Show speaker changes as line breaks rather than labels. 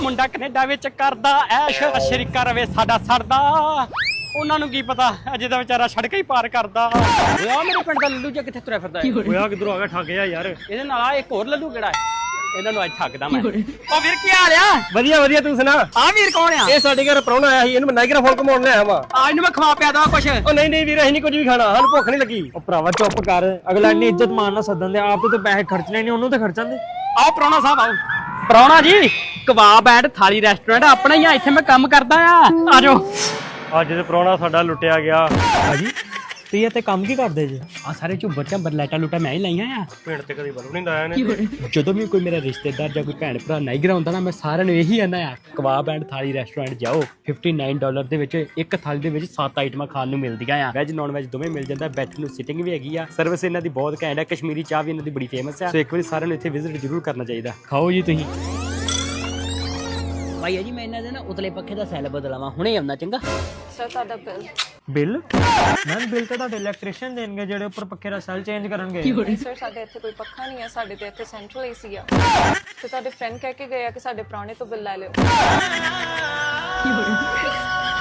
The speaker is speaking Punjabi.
ਮੁੰਡਾ ਕੈਨੇਡਾ ਵਿੱਚ ਕਰਦਾ ਐਸ਼ ਸ਼ਰੀਕਾ ਰਵੇ ਸਾਡਾ ਸਰਦਾ ਉਹਨਾਂ ਨੂੰ ਕੀ ਪਤਾ ਅਜੇ ਤਾਂ ਵਿਚਾਰਾ ਸੜਕਾਂ ਹੀ ਪਾਰ ਕਰਦਾ। ਓਏ ਆ ਮੇਰੇ ਪਿੰਡ ਦਾ ਲੱਲੂ ਜਿਹਾ ਕਿੱਥੇ ਤੁਰਿਆ ਫਿਰਦਾ ਓਏ ਆ ਕਿੱਧਰੋਂ ਆ ਗਿਆ ਠੱਗ ਜਾ ਯਾਰ ਇਹਦੇ ਨਾਲ ਆ ਇੱਕ ਹੋਰ ਲੱਲੂ ਕਿਹੜਾ ਹੈ ਇਹਨਾਂ ਨੂੰ ਅੱਜ ਠੱਗਦਾ ਮੈਂ। ਓ ਵੀਰ ਕੀ ਹਾਲ ਆ?
ਵਧੀਆ ਵਧੀਆ ਤੂੰ ਸੁਣਾ।
ਆ ਵੀਰ ਕੌਣ ਆ?
ਇਹ ਸਾਡੇ ਘਰ ਪ੍ਰਾਹੁਣਾ ਆਇਆ ਸੀ ਇਹਨੂੰ ਮੈਂ ਨਾਈਗਰਾ ਫੋਨ ਘਮਾਉਣ ਲਿਆਇਆ ਵਾ।
ਆ ਇਹਨੂੰ ਮੈਂ ਖਵਾ ਪਿਆ ਦਵਾਂ ਕੁਛ।
ਉਹ ਨਹੀਂ ਵੀਰ ਅਸੀਂ ਨਹੀਂ ਕੁਝ ਵੀ ਖਾਣਾ ਸਾਨੂੰ ਭੁੱਖ ਨਹੀਂ ਲੱਗੀ।
ਉਹ ਭਰਾਵਾ ਚੁੱਪ ਕਰ ਅਗਲਾ ਇੰਨੀ ਇੱਜ਼ਤ ਮਾਨ ਨਾਲ ਸੱਦਣ ਦੇ ਆਪ ਤੇ ਪੈਸੇ ਖਰਚਣੇ ਨਹੀਂ ਉਹਨੂੰ ਤੇ ਖਰਚਣ ਦੇ।
ਆਓ ਪ੍ਰਾਹੁਣਾ ਸਾਹਿਬ ਆਓ। ਪ੍ਰਾਹੁਣਾ ਜੀ ਕਬਾਬ ਐਂਡ ਥਾਲੀ ਰੈਸਟੋਰੈਂਟ ਆਪਣਾ ਹੀ ਆ ਇੱਥੇ ਮੈਂ ਕੰਮ ਕਰਦਾ ਆ ਆਜੋ।
ਅੱਜ ਤੇ ਪ੍ਰਾਹੁਣਾ ਸਾਡਾ ਲੁੱਟਿਆ ਗਿਆ
ਭਾਜੀ ਤੁਸੀਂ ਇੱਥੇ ਕੰਮ ਕੀ ਕਰਦੇ ਜੀ?
ਆ ਸਾਰੇ ਝੁੱਬਰ ਝੰਬਰ ਲਾਈਟਾਂ ਲੂਟਾਂ ਮੈਂ ਹੀ ਲਾਈਆਂ ਆ।
ਪਿੰਡ ਤੇ ਕਦੀ ਬਲੂ ਨਹੀਂ ਲਾਇਆ ਨੇ।
ਜਦੋਂ ਵੀ ਕੋਈ ਮੇਰਾ ਰਿਸ਼ਤੇਦਾਰ ਜਾਂ ਕੋਈ ਭੈਣ ਭਰਾ ਨਾਈਗਰਾ ਹੁੰਦਾ ਨਾ ਮੈਂ ਸਾਰਿਆਂ ਨੂੰ ਇਹੀ ਕਹਿੰਦਾ ਆ ਕਬਾਬ ਐਂਡ ਥਾਲੀ ਰੈਸਟੋਰੈਂਟ ਜਾਓ। $59 ਦੇ ਵਿੱਚ ਇੱਕ ਥਾਲੀ ਦੇ ਵਿੱਚ 7 ਆਈਟਮਾਂ ਖਾਣ ਨੂੰ ਮਿਲਦੀਆਂ ਆ। ਵੈਜ ਨੌਨ ਵੈਜ ਦੋਵੇਂ ਮਿਲ ਜਾਂਦਾ। ਬੈਠਣ ਨੂੰ ਸਿਟਿੰਗ ਵੀ ਹੈਗੀ ਆ। ਸਰਵਿਸ ਇਹਨਾਂ ਦੀ ਬਹੁਤ ਘੈਂਟ ਹੈ। ਕਸ਼ਮੀਰੀ ਚਾਹ ਵੀ ਇਹਨਾਂ ਦੀ ਬੜੀ ਫੇਮਸ ਆ। ਸੋ ਇੱਕ ਵਾਰੀ ਸਾਰਿਆਂ ਨੂੰ ਇੱਥੇ ਵਿਜ਼ਿਟ ਜ਼ਰੂਰ ਕਰਨਾ ਚਾਹੀਦਾ। ਖਾਓ ਜੀ ਤੁਸੀਂ। ਭਾਈ ਜੀ ਮੈਂ ਇਹਨਾਂ ਦੇ ਨਾ ਉਤਲੇ ਪੱਖੇ ਦਾ ਸੈੱਲ ਬਦਲਾਵਾਂ ਹੁਣੇ ਆਉਣਾ ਚੰਗਾ।
ਸਰ ਤੁਹਾਡਾ
ਬਿੱਲ ਮੈਮ ਬਿੱਲ ਤਾਂ ਤੁਹਾਡੇ ਇਲੈਕਟ੍ਰੀਸ਼ੀਅਨ ਦੇਣਗੇ ਜਿਹੜੇ ਉੱਪਰ ਪੱਖੇ ਦਾ ਸੈੱਲ ਚੇਂਜ ਕਰਨਗੇ।
ਨਹੀਂ ਸਰ ਸਾਡੇ ਇੱਥੇ ਕੋਈ ਪੱਖਾ ਨਹੀਂ ਹੈ। ਸਾਡੇ ਤੇ ਇੱਥੇ ਸੈਂਟਰਲ ਏਸੀ ਆ ਤੇ ਤੁਹਾਡੇ ਫਰੈਂਡ ਕਹਿ ਕੇ ਗਏ ਆ ਕਿ ਸਾਡੇ ਪੁਰਾਣੇ ਤੋਂ ਬਿੱਲ ਲੈ ਲਿਓ।